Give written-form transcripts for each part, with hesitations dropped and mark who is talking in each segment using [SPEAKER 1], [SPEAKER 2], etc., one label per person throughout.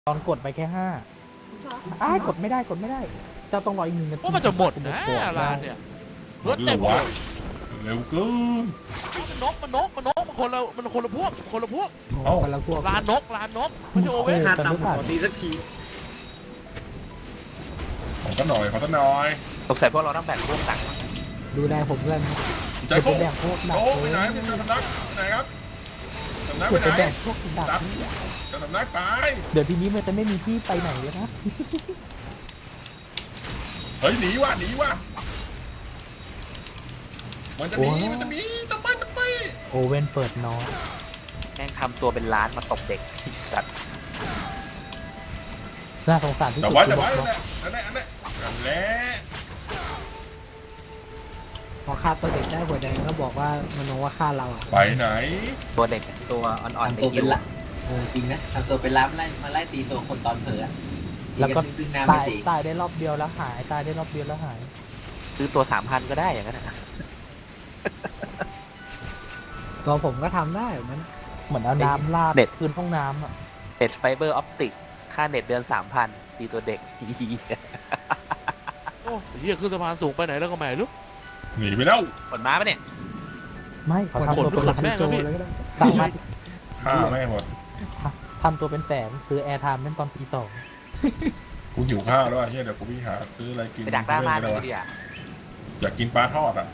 [SPEAKER 1] ตอนกดไปแค่5กดไม่ได้เจ้าต้องรออีก1 นาที
[SPEAKER 2] ว่ามันจะหมดนะร้านเนี่ยรถเต็มหมด
[SPEAKER 3] เร็วเกิน
[SPEAKER 2] มันนกมันคนละพวก
[SPEAKER 3] เอ้า
[SPEAKER 1] คนละพวก
[SPEAKER 2] ร้านนกไม่ใช่โอเว่น
[SPEAKER 4] หน้าตำขอตีสักที
[SPEAKER 3] ของก็หน่อย
[SPEAKER 5] สงสัยพวกเราต้องแบ่งพวกตังค์
[SPEAKER 1] ดูแลผมด้วยนะ
[SPEAKER 3] ใจ
[SPEAKER 1] จะ
[SPEAKER 3] โค้
[SPEAKER 1] ไปแบ่งพวกดัก
[SPEAKER 3] โอ้ไปไหนเป็นสำนักไปไหนครับสำนักไป
[SPEAKER 1] จะ
[SPEAKER 3] ไหน
[SPEAKER 1] ไปแบ่งพวกดัก
[SPEAKER 3] ดับสำนักตาย
[SPEAKER 1] เดี๋ยวทีนี้มันจะไม่มีที่ไปไหนแล้วนะ
[SPEAKER 3] เฮ้ยหนีว่ะมันจะหนีจะไป
[SPEAKER 1] โอเว่นเปิดน้อย
[SPEAKER 5] แม่งทำตัวเป็นร้านมาตบเด็กไอ้สัตว์
[SPEAKER 1] น่าสงสารที่
[SPEAKER 3] แต่
[SPEAKER 1] สุด
[SPEAKER 3] ว่า
[SPEAKER 1] คือ
[SPEAKER 3] อันนั้นนั่นแหละ
[SPEAKER 6] พอฆ่าตัวเด็กได้หัวแดงก็บอกว่ามโนว่าฆ่าเราอ่ะ
[SPEAKER 3] ไปไหน
[SPEAKER 5] ตัวเด็กตัวอ่อนๆใน
[SPEAKER 7] ทำตัว
[SPEAKER 5] คิ
[SPEAKER 7] เป็น
[SPEAKER 5] ว
[SPEAKER 7] ละจริงนะทำตัวเป็นล้ำมาไล่ตีตัวคนตอนเผลอ
[SPEAKER 1] แล้วก็
[SPEAKER 7] ดึงน้ำไม่ตี
[SPEAKER 1] ตายได้รอบเดียวแล้วหายตายได้รอบเดียวแล้วหาย
[SPEAKER 5] ซื้อตัว 3,000 ก็ได้อย่างนั้นนะ
[SPEAKER 6] ตัวผมก็ทำได้เหมือน
[SPEAKER 1] เหมือนเอาน้ำลาดคืนห้องน้ำอ่ะ
[SPEAKER 5] เน็ตไฟเบอร์ออปติกค่าเน็ตเดือน 3,000 ตีตัวเด็ก
[SPEAKER 2] โอ้เฮียขึ้นสะพานสูงไปไหนแล้วก็ไม่รู้
[SPEAKER 3] หนีไปแล้ว
[SPEAKER 5] ผลม้าปะเนี่ย
[SPEAKER 1] ไม่เขาทำ
[SPEAKER 2] ขน
[SPEAKER 1] ตัวเป็น
[SPEAKER 2] ขนแม่ง
[SPEAKER 6] โจ
[SPEAKER 2] แล้วพี่
[SPEAKER 6] เลยก็ได้
[SPEAKER 1] สามารถ
[SPEAKER 3] ฆ่าไม่หมด
[SPEAKER 1] ทำตัวเป็นแสนซื้อแอร์ไทม์เล่นตอนตี 2
[SPEAKER 3] กูหิวข้าวแล้วเฮียเดี๋ยวกูไปหาซื้ออะไรกิน
[SPEAKER 5] ไปดักหน้าบ้าน
[SPEAKER 3] เล
[SPEAKER 5] ดูดิอ่ะ
[SPEAKER 3] อยากกินปลาทอดอ่ะ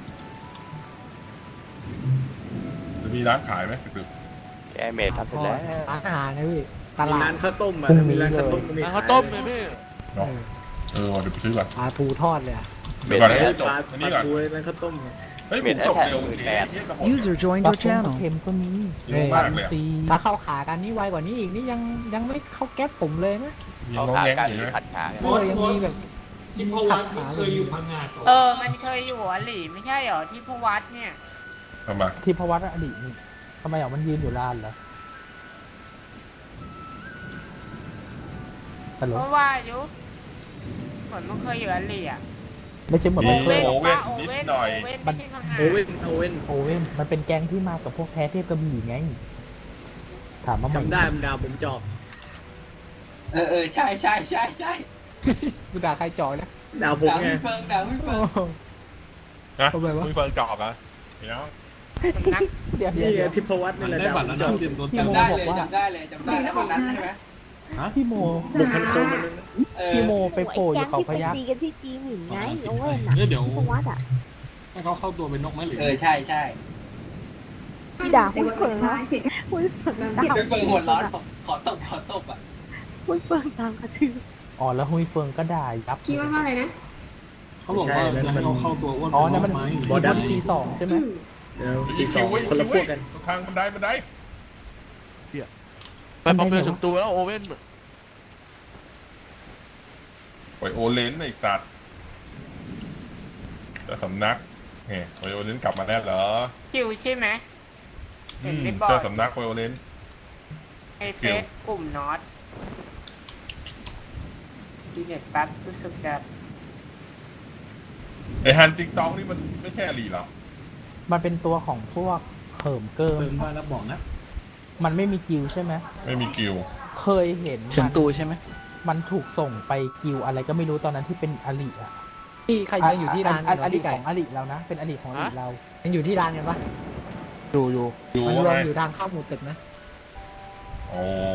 [SPEAKER 3] จะมีร้านขายไหมดึก
[SPEAKER 5] แกเมดทำเสร็จแล้ว
[SPEAKER 6] ร้านอาหารนะพี่ต
[SPEAKER 4] มี
[SPEAKER 6] ลา
[SPEAKER 4] ร้า
[SPEAKER 6] ด
[SPEAKER 4] นข้าวต้มอ่ะมีร้านข้าวต้มก็มี
[SPEAKER 2] ร้านข้าวต้มเลยพี่
[SPEAKER 3] ๆเนาะเดี๋ยวไปซื้อก่อน
[SPEAKER 6] ปลาทูทอดเลยอ่ะ
[SPEAKER 3] เดี๋ยวก่อนให้
[SPEAKER 4] ป
[SPEAKER 3] จบ
[SPEAKER 4] ลา
[SPEAKER 3] อันนี้ก่อน
[SPEAKER 4] ทูร้านข้าวต้ม
[SPEAKER 3] เฮ้ยผมจบเร็วเฮียจะหมด
[SPEAKER 8] User joined
[SPEAKER 1] ปลา
[SPEAKER 8] your
[SPEAKER 1] เค็ม
[SPEAKER 8] channel.
[SPEAKER 1] เค็มก็มี
[SPEAKER 3] เร็วมากเลย
[SPEAKER 1] ซี
[SPEAKER 6] ถ้าเข้าขากันนี่ไวกว่านี้อีกนี่ยังไม่เข้าแก๊ปผมเลยนะ
[SPEAKER 3] ยังงงแงงอยู่ไหม
[SPEAKER 5] ผัดขา
[SPEAKER 6] ยังมีแบบที่พวัดเคยอยู่พังงา
[SPEAKER 9] มันเคยอยู่หัวหลีไม่ใช่เหรอที่พวัดเนี่ย
[SPEAKER 3] ทำไม
[SPEAKER 1] ที่พวัตอดีตนี่ทำไมมันยืนอยู่ลานเหรอฮัลโหล
[SPEAKER 9] เพราะว่าอยู่เหมือนมันเคยอยู่หัวหลีอ่ะ
[SPEAKER 1] ไม่ใช่เหมือนมันเคยหรอก
[SPEAKER 9] โอเว่นไม่ใช่พังงา
[SPEAKER 4] โอเว่น
[SPEAKER 1] โอเว่นมันเป็นแก๊งที่มากับพวกแพ้เทพกระบี่ไงถามว่ามัน
[SPEAKER 4] จำได้มันดาวผมจอบ
[SPEAKER 7] ใช่
[SPEAKER 6] กูด่าใครจ่อยนะ
[SPEAKER 4] ดาวผมไง
[SPEAKER 7] ดาวไม่เฟิง
[SPEAKER 3] นะ
[SPEAKER 6] ทำไมวะ
[SPEAKER 3] มึงเฟิร์นจอบอ่ะเดี๋ยว
[SPEAKER 9] สำนัก
[SPEAKER 1] เดี๋ยว
[SPEAKER 4] นี่ไงที่พวัดนี่แหละดาวผมจอบ
[SPEAKER 1] พี่โม
[SPEAKER 7] จำได้
[SPEAKER 1] บอ
[SPEAKER 7] เล
[SPEAKER 1] ก
[SPEAKER 7] ย
[SPEAKER 1] ว่า
[SPEAKER 7] จำได้วันนั้นใช่ไหม
[SPEAKER 1] พี่โม
[SPEAKER 4] บุกพันโคมมัน
[SPEAKER 1] พี่โมไปโผล่อยู่เขาพยัคฆ์
[SPEAKER 10] ตีกันที่จีหมิ่นไงโอเว่นอ่ะเดี๋ยวพวัดอ่ะ
[SPEAKER 7] ใช่
[SPEAKER 10] พี่ด่าหุ้ยเฟิงนะหุ้ยเฟิงตาม
[SPEAKER 7] เป็นเฟิงหัวร้อนขอตบอ่ะ
[SPEAKER 10] หุ้ยเฟิงตามกระทืบ
[SPEAKER 1] อ๋อแล้วฮุยเฟิงก็ด่ายับ
[SPEAKER 9] คิดว่าอะไรนะ
[SPEAKER 4] เขาบอกว่ามันเข้าตัวอ้วน
[SPEAKER 1] อ๋อนั่นมัน
[SPEAKER 4] บอดัม
[SPEAKER 1] ตี2ใช่ไหม
[SPEAKER 4] ตีสองคนละพวกกัน
[SPEAKER 3] ทางบันได
[SPEAKER 2] ไปปั๊มเรือถึงตัวแล้วโอเว่น
[SPEAKER 3] ไปโอเลนไอ้สัตว์เจ้าสำนักเนี่ยไปโอเลนกลับมาแล้วเหรอ
[SPEAKER 9] คิวใช่ไหม
[SPEAKER 3] เจ้าสำนักไปโอเลน
[SPEAKER 9] ไอเฟซกลุ่มน็อตดีเน็ตปั๊บรู้สึกจะ
[SPEAKER 3] ไอ้ฮันติ๊กต็อกนี่มันไม่ใช่อลีหรอ
[SPEAKER 1] มันเป็นตัวของพวกเหิมเกิมมันไม่มีกิลใช่ไหม
[SPEAKER 3] ไม่มีกิล
[SPEAKER 1] เคยเห็น
[SPEAKER 8] เฉิงตูใช่ไหม
[SPEAKER 1] มันถูกส่งไปกิลอะไรก็ไม่รู้ตอนนั้นที่เป็นอลิอ่ะ
[SPEAKER 6] ที่ใครยังอยู่ที่ร้าน
[SPEAKER 1] อ
[SPEAKER 6] กัน
[SPEAKER 1] ลิ
[SPEAKER 6] ที่ไก่
[SPEAKER 1] ของอลิเรานะเป็นอลิของอลิเรา
[SPEAKER 6] ยังอยู่ที่ร้านกันปะ
[SPEAKER 8] อยู่
[SPEAKER 3] อยู่
[SPEAKER 6] มันรว
[SPEAKER 3] ไง
[SPEAKER 6] มอยู่ทางเข้าหมู่ตึกนะ
[SPEAKER 3] โอ้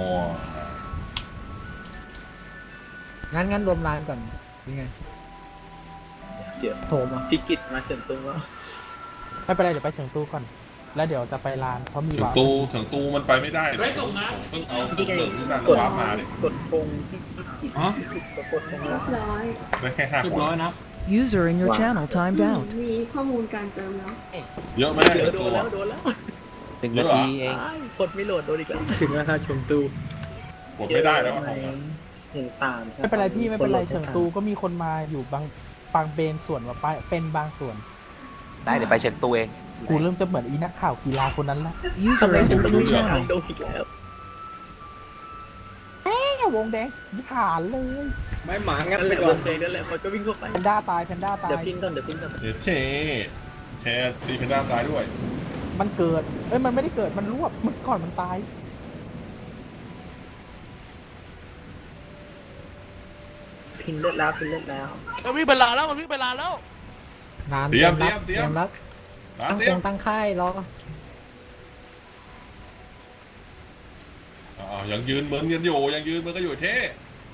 [SPEAKER 6] งั้นรวมร้านก่อนยังไงโถมา
[SPEAKER 4] พิกิตมาเฉินตุ้งแล้ว
[SPEAKER 1] ไม่เป็นไรเดี๋ยวไปเฉิงตู้ก่อน แล้วเดี๋ยวจะไปลานเพราะมี
[SPEAKER 3] ถึง
[SPEAKER 1] วาร์ป
[SPEAKER 3] ตูมันไปไม่ได้เลยต้องเอาเรื่องที่นั่นวาร์ปมาดิ
[SPEAKER 4] กดพงที่กิตกดพงแล้ว
[SPEAKER 3] ได้แค่5 คน
[SPEAKER 8] User in your channel timed out.
[SPEAKER 9] มีข้อมูลการเติมแล้ว
[SPEAKER 3] เยอะไหม
[SPEAKER 4] โดนแล้ว
[SPEAKER 5] 1 นาทีเอง
[SPEAKER 4] กดไม่โหลดโดนอีกแล้วถึงแล้วครับชมตู
[SPEAKER 3] กดไม่ได้แล้วของ
[SPEAKER 4] เห็นตาม
[SPEAKER 1] ไม่เป็นไรพี่ไม่เป็นไรเฉิงตู้ก็มีคนมาอยู่บางเบนส่วนว่าไปเป็นบางส่วน
[SPEAKER 5] ได้เดี๋ยวไปเช็ดตัวเอง
[SPEAKER 1] กูเริ่มจะเหมือนอีนักข่าวกีฬาคนนั้นละ
[SPEAKER 8] User entered your channel.
[SPEAKER 4] โดนอีกแล้ว
[SPEAKER 1] วงแดงยิผ่านเลย
[SPEAKER 4] ไม่หมางัดไปก่อนเองนั่นแหละมันก็วิ่งเข้าไป
[SPEAKER 1] แพนด้าตาย
[SPEAKER 4] เดี๋ยวพินก่อน
[SPEAKER 3] เช่แชร์ตีเพนด้าตายด้วย
[SPEAKER 1] มันเกิดมันไม่ได้เกิดมันรวบมันก่อนมันตาย
[SPEAKER 4] พินเลือดแล้วพินเลือดแล้ว
[SPEAKER 2] มันวิ่งไปลานแล้วมันวิ่งไปลานแล้ว
[SPEAKER 6] ร้าน
[SPEAKER 3] เตรียม
[SPEAKER 6] รับ
[SPEAKER 3] เตรียม
[SPEAKER 6] รับ
[SPEAKER 3] ร้าน
[SPEAKER 6] ตั้ง
[SPEAKER 3] เตรี
[SPEAKER 6] โค
[SPEAKER 3] ย
[SPEAKER 6] ร
[SPEAKER 3] ม
[SPEAKER 6] งตั้งค่ายรอ
[SPEAKER 3] ยังยืนเหมือนกันอยู่ยังยืนเหมือนกันอยู่เท่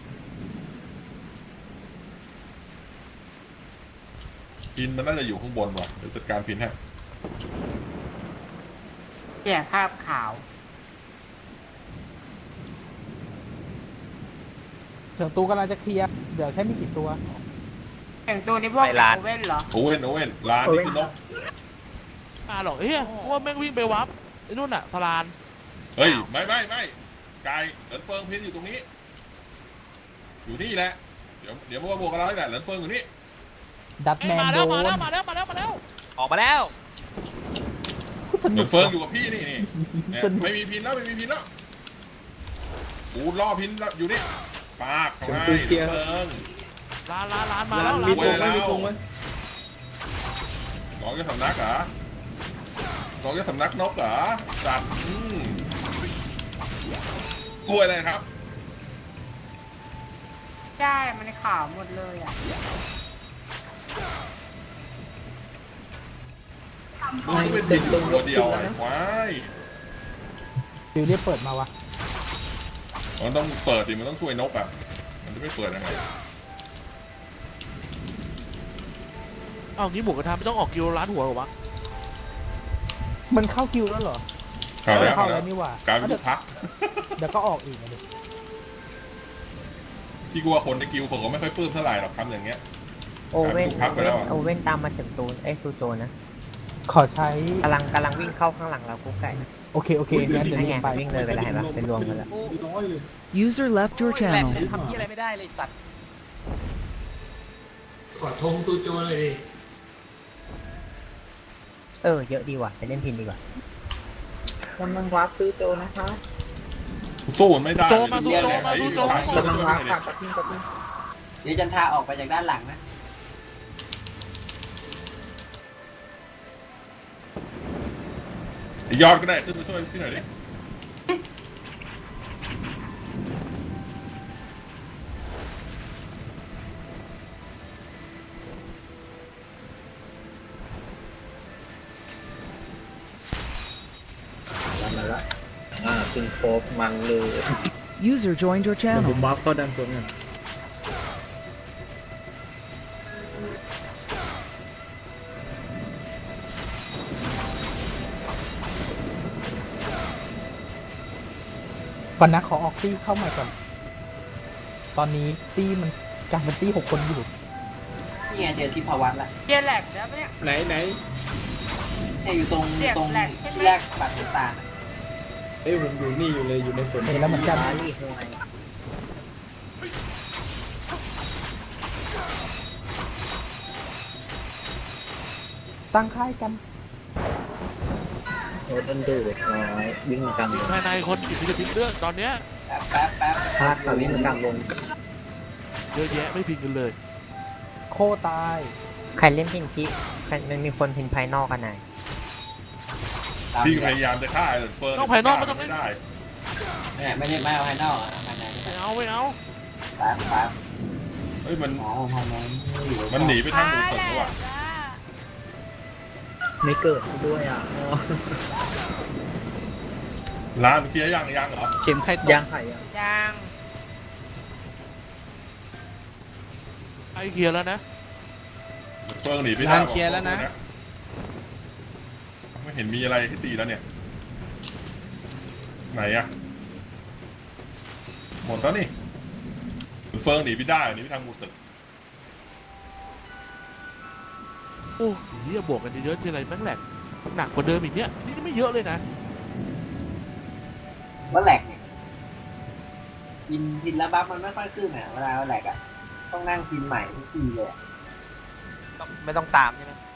[SPEAKER 3] พินมันน่าจะอยู่ข้างบนว่ะเดี๋ยวจัดการพินให้
[SPEAKER 9] เสียภาพขาว
[SPEAKER 1] เฉิงตูกำลังจะเคลียร์เดี๋ยวแค่ไม่กี่ตัว
[SPEAKER 9] อย่างตัวนี้พวก
[SPEAKER 5] ไปร้าน
[SPEAKER 9] โอเว่นเหรอ
[SPEAKER 3] โอเว่นร้านนี่คือนก
[SPEAKER 2] หรอกเฮียว่าแม่งวิ่งไปวับไอ้นู่นน่ะสลาน
[SPEAKER 3] เฮ้ยไม่กายเหลินเฟิงพินอยู่ตรงนี้ อยู่นี่แหละเดี๋ยวมาบวกกับเราแหละเหลินเฟิงอยู่นี่
[SPEAKER 1] ดัตแมน
[SPEAKER 2] มา
[SPEAKER 1] โด
[SPEAKER 2] แล้ว
[SPEAKER 1] น
[SPEAKER 2] มาแล้ว
[SPEAKER 5] ออกมาแล้ว
[SPEAKER 1] ส
[SPEAKER 3] เห
[SPEAKER 1] นุ
[SPEAKER 3] ลิ
[SPEAKER 1] ก
[SPEAKER 3] นเฟิงอยู่กับพี่นี่เนี่ยไม่มีพินแล้วกูล่อพินอยู่นี่ปากเขาให้เหลินเฟิง
[SPEAKER 2] ลานมา
[SPEAKER 4] ร้า
[SPEAKER 2] แล้ว
[SPEAKER 4] น
[SPEAKER 2] ลา
[SPEAKER 4] มี
[SPEAKER 2] น
[SPEAKER 4] ธงไหมมีธงไหม
[SPEAKER 3] น้องจะสำนักเหรอน้องจะสำนักนกเหรอจัดกล้วยอะไรครับ
[SPEAKER 9] ใช่มันขาวหมดเลยอ่ะ
[SPEAKER 3] มึงเป็นดินตัวเดียวไอ้ควาย
[SPEAKER 1] ฟิวเรียกเปิดมาวะ
[SPEAKER 3] มันต้องเปิดดิมันต้องช่วยนกอ่ะมันจะไม่เปิดยังไง
[SPEAKER 2] อ้าวงี้หมูกระทะไม่ต้องออกกิโลล้านหัวหรอวะ
[SPEAKER 1] มันเข้าคิวแล้วเหรอ
[SPEAKER 3] เข้าแล้ว
[SPEAKER 1] เข้าแล้วนี่หว่า
[SPEAKER 3] การเป็นลูกพัก
[SPEAKER 1] เดี๋ยวก็ออกอีกนะดิ
[SPEAKER 3] พี่กลัวคนในกิวผมก็ไม่ค่อยปลื้มเท่าไหร่หรอกทำอย่างเงี้ย
[SPEAKER 6] โอเว่น
[SPEAKER 3] พักไปแล้วอะ
[SPEAKER 6] โอเว่นตามมาเฉิงตูซูโจนะ
[SPEAKER 1] ขอใช้
[SPEAKER 6] กำลังวิ่งเข้าข้างหลังเรากุ๊กไก่
[SPEAKER 1] โอเคงั้นเดี๋ยว
[SPEAKER 6] นั่น
[SPEAKER 1] รี
[SPEAKER 6] ไง
[SPEAKER 1] บไป
[SPEAKER 6] วิ่งเลยไปแล้วเห็นปะเป็นรวมกันแล้ว
[SPEAKER 8] User left your
[SPEAKER 5] แหลก
[SPEAKER 8] channel.
[SPEAKER 5] ทำที่อะไรไม่ได้เลยสัตว์
[SPEAKER 6] เยอะดีว่ะไปเล่นพินดีกว่า
[SPEAKER 10] กำลังวาร์ปซื้อโจนะคะ
[SPEAKER 3] สู้มันไม่ได้
[SPEAKER 2] โจมาสู้โจมาสู้โจ
[SPEAKER 10] กำลังวาร์ปค่ะกับพี่กับพี่
[SPEAKER 7] เดี๋ยวจันทาออกไปจากด้านหลังนะ
[SPEAKER 3] ยอดก็ได้ขึ้นไปช่วยพี่หน่อยดิ
[SPEAKER 4] มาละซึ่งโคบมันเลย
[SPEAKER 8] User joined your
[SPEAKER 4] เดี๋ยวผ
[SPEAKER 8] channel.
[SPEAKER 4] มบัฟเข้าดันโซนกัน
[SPEAKER 1] ก่อนนะขอออกตี้เข้าใหม่ก่อน ตอนนี้ตี้มันกลายเป็นตี้6 คนอยู่
[SPEAKER 7] นี่ไงเจอที่ภวัตละ
[SPEAKER 9] เจียแหลกแล้วเนี่ย
[SPEAKER 4] ไหน
[SPEAKER 7] เนี่ยอยู่ตรง
[SPEAKER 9] เสียบ
[SPEAKER 7] ตรง
[SPEAKER 9] แหลกใช่ไหม
[SPEAKER 7] ที่แรกปัดน้ำตาลอะ
[SPEAKER 4] เอ้ยผมอยู่นี่อยู่เลยอยู่ในสวน
[SPEAKER 1] เห็นแล้วเหมือนกัน ตั้งค่ายกัน
[SPEAKER 4] โอ้ต้นดูดน้อยวิ่งมากลางวง
[SPEAKER 2] ภายในคนติดพิษพิษเรื่องตอนเนี้ย
[SPEAKER 7] แป๊บ
[SPEAKER 4] พลาดค่ะวิ่งมากลางวง
[SPEAKER 2] เยอะแยะไม่พิงกันเลย
[SPEAKER 1] โคตาย
[SPEAKER 6] ใครเล่นพินคิมันมีคนพินภายนอกกันไหน
[SPEAKER 7] ตาม
[SPEAKER 3] พี่
[SPEAKER 7] นี้
[SPEAKER 3] พยายามจะฆ่าเหลินเฟิง
[SPEAKER 2] ต้องภายนอกไม่ต้องเล่น
[SPEAKER 3] ไม่ได้
[SPEAKER 7] เนี่ยไม่เอาภายนอกอะภายในนี่
[SPEAKER 2] ไม่เอา
[SPEAKER 7] แป๊บ
[SPEAKER 3] เฮ้ยมัน
[SPEAKER 7] อ๋อภายในอยู่
[SPEAKER 3] มันหนีไปทางหมู่ตึกแล้วว่ะ
[SPEAKER 4] ไม่เกิดด้วยอ่ะอ๋อ
[SPEAKER 3] ร้านเคลียร์ยังเหรอ
[SPEAKER 8] เข็มไข่ตก
[SPEAKER 4] ยางไข่อ่ะ
[SPEAKER 9] ยาง
[SPEAKER 2] ไอเคลียร์แล้วนะ
[SPEAKER 3] เฟิงหนีไป
[SPEAKER 8] ร้านเคลียร์แล้วนะ
[SPEAKER 3] ไม่เห็นมีอะไรให้ตีแล้วเนี่ยไหนอะหมดแล้วนี่เฟิงหนีไปได้หนีไปทางหมู่ตึก
[SPEAKER 2] โอ้เฮียบวกกันเยอะๆทีไรแม่งแหลกหนักกว่าเดิมอีกเนี้ยนี่ไม่เยอะเลยนะ
[SPEAKER 7] ว่าแหลกเนี่ยกินแล้วบัฟมันไม่ค่อยขึ้นอ่ะเวลาแหลกอ่ะต้องนั่งกินใหม่ทุกทีเลยอะ
[SPEAKER 5] ไม่ต้องตามใช่ไหม